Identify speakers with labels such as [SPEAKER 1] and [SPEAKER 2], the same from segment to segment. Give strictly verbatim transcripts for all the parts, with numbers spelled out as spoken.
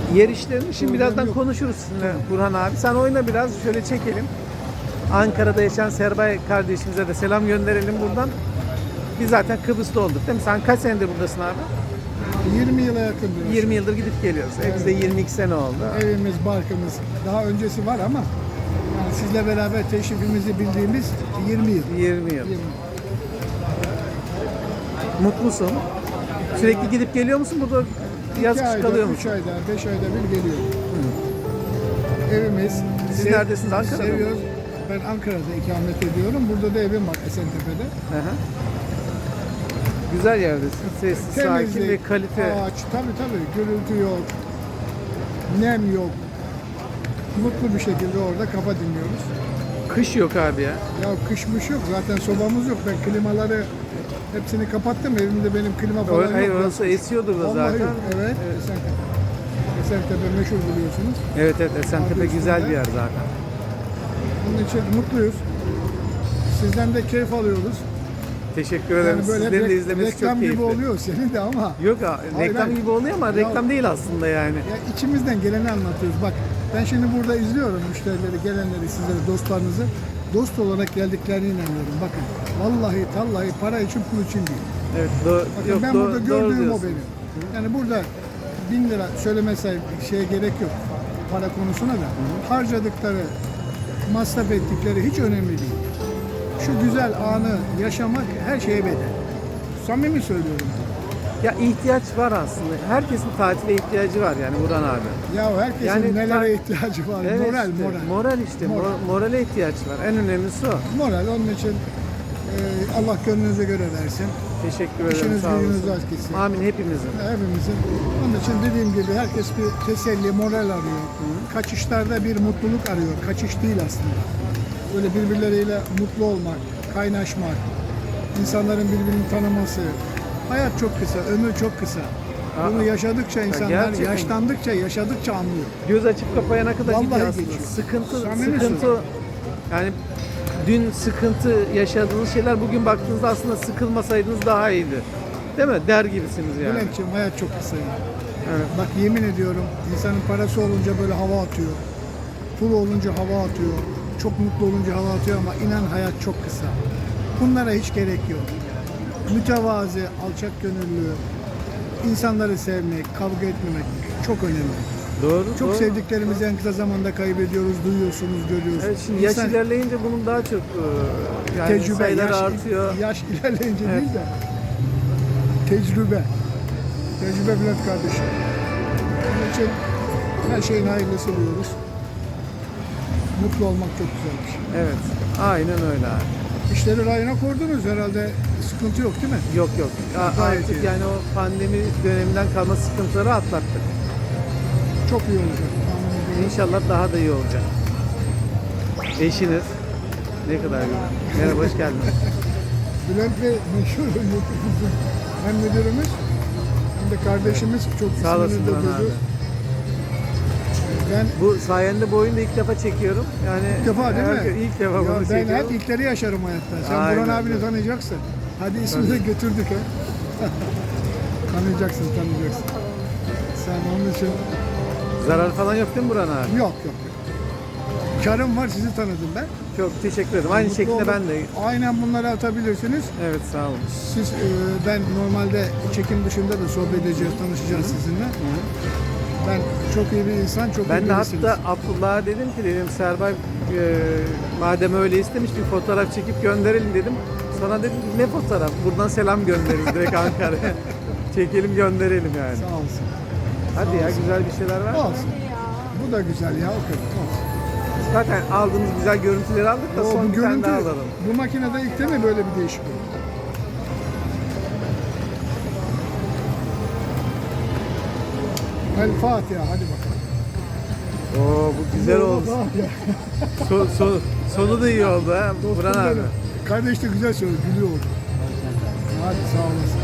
[SPEAKER 1] Yer işlerini şimdi
[SPEAKER 2] Problem
[SPEAKER 1] birazdan
[SPEAKER 2] yok.
[SPEAKER 1] konuşuruz sizinle Burhan abi. Sen oyna biraz, şöyle çekelim. Ankara'da yaşayan Serbay kardeşimize de selam gönderelim buradan. Biz zaten Kıbrıs'ta olduk değil mi? Sen kaç senedir buradasın abi?
[SPEAKER 2] yirmi yıla yakın diyoruz.
[SPEAKER 1] yirmi yıldır gidip geliyoruz. E biz de yirmi iki sene oldu.
[SPEAKER 2] Evimiz, barkımız daha öncesi var ama yani sizle beraber teşrifimizi bildiğimiz yirmi yıl.
[SPEAKER 1] yirmi yıl.
[SPEAKER 2] yirmi.
[SPEAKER 1] Mutlusun. Sürekli gidip geliyor musun? Burada yaz
[SPEAKER 2] İki
[SPEAKER 1] kış
[SPEAKER 2] ayda,
[SPEAKER 1] kalıyor
[SPEAKER 2] üç
[SPEAKER 1] musun?
[SPEAKER 2] ayda, beş ayda bir geliyor. Evimiz.
[SPEAKER 1] Siz neredesiniz? Ankara'da mı?
[SPEAKER 2] Seviyoruz. Ben Ankara'da ikamet ediyorum. Burada da evim var Esentepe'de.
[SPEAKER 1] Hı hı. Güzel yerdesin. Sessiz, sakin ve kalite.
[SPEAKER 2] ağaç, tabii tabii. Gürültü yok. Nem yok. Mutlu bir şekilde orada kafa dinliyoruz.
[SPEAKER 1] Kış yok abi ya.
[SPEAKER 2] Ya kışmış yok. Zaten sobamız yok. Ben klimaları hepsini kapattım. Evimde benim klima falan yok.
[SPEAKER 1] Hayır, orası esiyordur da
[SPEAKER 2] Vallahi
[SPEAKER 1] zaten.
[SPEAKER 2] yok. Evet. Esentepe. Esentepe meşhur biliyorsunuz.
[SPEAKER 1] Evet evet, Esentepe
[SPEAKER 2] Adı
[SPEAKER 1] güzel
[SPEAKER 2] üstünde.
[SPEAKER 1] bir yer zaten.
[SPEAKER 2] Bunun için mutluyuz. Sizden de keyif alıyoruz.
[SPEAKER 1] Teşekkür ederim.
[SPEAKER 2] Yani böyle
[SPEAKER 1] Sizlerin de
[SPEAKER 2] rek-
[SPEAKER 1] izlemesi çok
[SPEAKER 2] reklam
[SPEAKER 1] keyifli.
[SPEAKER 2] gibi oluyor senin de ama
[SPEAKER 1] Yok abi,
[SPEAKER 2] Hayır,
[SPEAKER 1] reklam
[SPEAKER 2] hayır.
[SPEAKER 1] gibi oluyor ama
[SPEAKER 2] Ya-
[SPEAKER 1] reklam değil aslında yani.
[SPEAKER 2] ya içimizden geleni anlatıyoruz. Bak ben şimdi burada izliyorum müşterileri, gelenleri, sizleri, dostlarınızı. Dost olarak geldiklerine inanıyorum. Bakın vallahi tallahi para için pul için değil.
[SPEAKER 1] Evet, do-
[SPEAKER 2] Bakın
[SPEAKER 1] yok,
[SPEAKER 2] ben
[SPEAKER 1] do-
[SPEAKER 2] burada
[SPEAKER 1] doğru
[SPEAKER 2] gördüğüm o
[SPEAKER 1] diyorsun.
[SPEAKER 2] benim. Yani burada bin lira söylemese şeye gerek yok para konusuna da. Harcadıkları, masraf ettikleri hiç önemli değil. Şu güzel anı yaşamak her şeye bedel. Samimi söylüyorum.
[SPEAKER 1] Ya ihtiyaç var aslında. Herkesin tatile ihtiyacı var yani Burhan abi.
[SPEAKER 2] Ya herkesin
[SPEAKER 1] Yani
[SPEAKER 2] nelere
[SPEAKER 1] ta-
[SPEAKER 2] ihtiyacı var.
[SPEAKER 1] Evet
[SPEAKER 2] moral,
[SPEAKER 1] işte,
[SPEAKER 2] moral.
[SPEAKER 1] moral işte.
[SPEAKER 2] Moral.
[SPEAKER 1] Mor- morale ihtiyaç var. En önemlisi o.
[SPEAKER 2] Moral onun için e, Allah gönlünüze göre versin.
[SPEAKER 1] Teşekkür ederim.
[SPEAKER 2] İşiniz
[SPEAKER 1] Sağ
[SPEAKER 2] gücünüz
[SPEAKER 1] olasın.
[SPEAKER 2] rast gitsin.
[SPEAKER 1] Amin hepimizin.
[SPEAKER 2] Hepimizin. Onun için dediğim gibi herkes bir teselli, moral arıyor. Kaçışlarda bir mutluluk arıyor. Kaçış değil aslında. Böyle birbirleriyle mutlu olmak, kaynaşmak, insanların birbirini tanıması. Hayat çok kısa, ömür çok kısa. Bunu yaşadıkça insanlar,
[SPEAKER 1] gerçekten.
[SPEAKER 2] yaşlandıkça, yaşadıkça anlıyor.
[SPEAKER 1] Göz açıp kapayana kadar
[SPEAKER 2] Vallahi
[SPEAKER 1] gidiyor aslında.
[SPEAKER 2] geçiyor.
[SPEAKER 1] Sıkıntı,
[SPEAKER 2] Samimi
[SPEAKER 1] sıkıntı
[SPEAKER 2] söylüyorum.
[SPEAKER 1] yani dün sıkıntı yaşadığınız şeyler bugün baktığınızda aslında sıkılmasaydınız daha iyiydi. Değil mi? Der gibisiniz yani.
[SPEAKER 2] Bülent'ciğim hayat çok kısa ya.
[SPEAKER 1] Evet.
[SPEAKER 2] Bak yemin ediyorum insanın parası olunca böyle hava atıyor. Pul olunca hava atıyor. Çok mutlu olunca hava atıyor ama inan hayat çok kısa. Bunlara hiç gerek yok. Mütevazi, alçak gönüllü, insanları sevmek, kavga etmemek çok önemli.
[SPEAKER 1] Doğru.
[SPEAKER 2] Çok
[SPEAKER 1] doğru.
[SPEAKER 2] sevdiklerimizi en kısa zamanda kaybediyoruz, duyuyorsunuz, görüyorsunuz.
[SPEAKER 1] Evet, şimdi yaş
[SPEAKER 2] İnsan-
[SPEAKER 1] ilerleyince bunun daha çok e, yani
[SPEAKER 2] tecrübe,
[SPEAKER 1] sayıları
[SPEAKER 2] yaş,
[SPEAKER 1] artıyor.
[SPEAKER 2] yaş ilerleyince
[SPEAKER 1] Evet.
[SPEAKER 2] değil de tecrübe. Tecrübe Bülent kardeşim. Onun için her şeyin hayırlısı diyoruz. Mutlu olmak çok güzel bir şey.
[SPEAKER 1] Evet. Aynen öyle abi.
[SPEAKER 2] İşleri rayına koydunuz herhalde sıkıntı yok değil mi?
[SPEAKER 1] Yok yok. A-
[SPEAKER 2] Gayet
[SPEAKER 1] Artık
[SPEAKER 2] iyi.
[SPEAKER 1] yani o pandemi döneminden kalma sıkıntıları atlattık.
[SPEAKER 2] Çok iyi olacak. Tahmin ediyorum.
[SPEAKER 1] İnşallah daha da iyi olacak. Eşiniz ne kadar güzel. Merhaba, hoş geldiniz.
[SPEAKER 2] Bülent Bey meşhur YouTube'umuzun hem müdürümüz hem de kardeşimiz çok
[SPEAKER 1] Sağ olasın
[SPEAKER 2] ismini de
[SPEAKER 1] Burhan abi.
[SPEAKER 2] duydu. Ben
[SPEAKER 1] Bu sayende bu oyunu da ilk defa çekiyorum. Yani
[SPEAKER 2] ilk defa değil mi?
[SPEAKER 1] herkes- İlk defa
[SPEAKER 2] Ya
[SPEAKER 1] bunu
[SPEAKER 2] ben
[SPEAKER 1] çekiyorum.
[SPEAKER 2] hep ilkleri yaşarım hayatta. Sen
[SPEAKER 1] Aynen,
[SPEAKER 2] Burhan abini
[SPEAKER 1] evet.
[SPEAKER 2] tanıyacaksın. Hadi ismini de götürdük ha. tanıyacaksın, tanıyacaksın. Sen onun için
[SPEAKER 1] Zarar falan yok değil mi Burhan abi?
[SPEAKER 2] yok yok yok. Karım var sizi tanıdım ben.
[SPEAKER 1] Çok teşekkür ederim. Aynı
[SPEAKER 2] Mutlu
[SPEAKER 1] şekilde
[SPEAKER 2] olup
[SPEAKER 1] ben de.
[SPEAKER 2] Aynen bunları atabilirsiniz.
[SPEAKER 1] Evet, sağ olun.
[SPEAKER 2] Siz e, ben normalde çekim dışında da sohbet edeceğiz, tanışacağız sizinle. Ben çok iyi bir insan, çok iyi
[SPEAKER 1] Ben de
[SPEAKER 2] birisiniz.
[SPEAKER 1] hatta Abdullah'a dedim ki dedim Serbay e, madem öyle istemiş bir fotoğraf çekip gönderelim dedim. Sonra dedim ki ne fotoğraf? Buradan selam göndeririz direkt Ankara'ya. Çekelim gönderelim yani.
[SPEAKER 2] Sağ olsun.
[SPEAKER 1] Hadi ya, güzel bir şeyler var.
[SPEAKER 2] Olsun. Bu da güzel ya, o kadar. Olsun.
[SPEAKER 1] Zaten aldığımız güzel görüntüleri aldık da
[SPEAKER 2] O,
[SPEAKER 1] son
[SPEAKER 2] bu
[SPEAKER 1] bir tane
[SPEAKER 2] görüntü,
[SPEAKER 1] daha alalım.
[SPEAKER 2] bu makinede ilk değil mi böyle bir değişik oldu? El Fatiha, hadi bakalım.
[SPEAKER 1] Oo, bu güzel oldu.
[SPEAKER 2] Fatiha.
[SPEAKER 1] So, so, sonu da iyi oldu ha
[SPEAKER 2] Dostum
[SPEAKER 1] Burhan abi.
[SPEAKER 2] benim. Kardeş de güzel söyledi, gülüyor oldu. Hadi sağ olasın.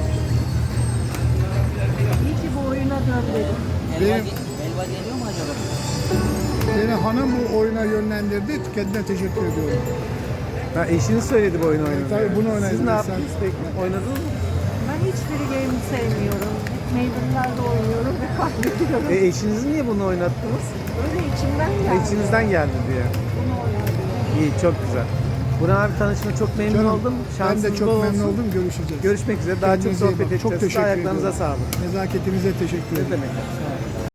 [SPEAKER 3] İyi ki bu oyuna döndüm.
[SPEAKER 2] Benim,
[SPEAKER 4] Helva geliyor mu acaba?
[SPEAKER 2] beni hanım bu oyuna yönlendirdi, kendine teşekkür ediyorum.
[SPEAKER 1] Ha, eşiniz söyledi bu oyunu oynadığını.
[SPEAKER 2] tabii bunu oynadın
[SPEAKER 1] Siz ne
[SPEAKER 2] sen.
[SPEAKER 1] yaptınız peki? Oynadınız mı?
[SPEAKER 3] Ben hiçbiri game sevmiyorum. Meydanlarda oynuyorum ve fark ettik.
[SPEAKER 1] E, eşinizi niye bunu oynattınız?
[SPEAKER 3] Öyle içimden geldi.
[SPEAKER 1] İçinizden geldi diye.
[SPEAKER 3] Bunu oynadım.
[SPEAKER 1] İyi, çok güzel. Burhan abi tanışma çok memnun
[SPEAKER 2] Canım,
[SPEAKER 1] oldum.
[SPEAKER 2] ben
[SPEAKER 1] Şansınız
[SPEAKER 2] de çok
[SPEAKER 1] bol
[SPEAKER 2] memnun
[SPEAKER 1] olsun.
[SPEAKER 2] oldum. Görüşeceğiz.
[SPEAKER 1] Görüşmek üzere. Daha çok
[SPEAKER 2] Kendinize iyi
[SPEAKER 1] sohbet
[SPEAKER 2] bakın.
[SPEAKER 1] edeceğiz.
[SPEAKER 2] Çok teşekkür
[SPEAKER 1] Ayaklarınıza
[SPEAKER 2] ediyorum.
[SPEAKER 1] sağlık.
[SPEAKER 2] Nezaketinize teşekkür
[SPEAKER 1] Ne
[SPEAKER 2] ederim.
[SPEAKER 1] demek?
[SPEAKER 2] Sağ olun.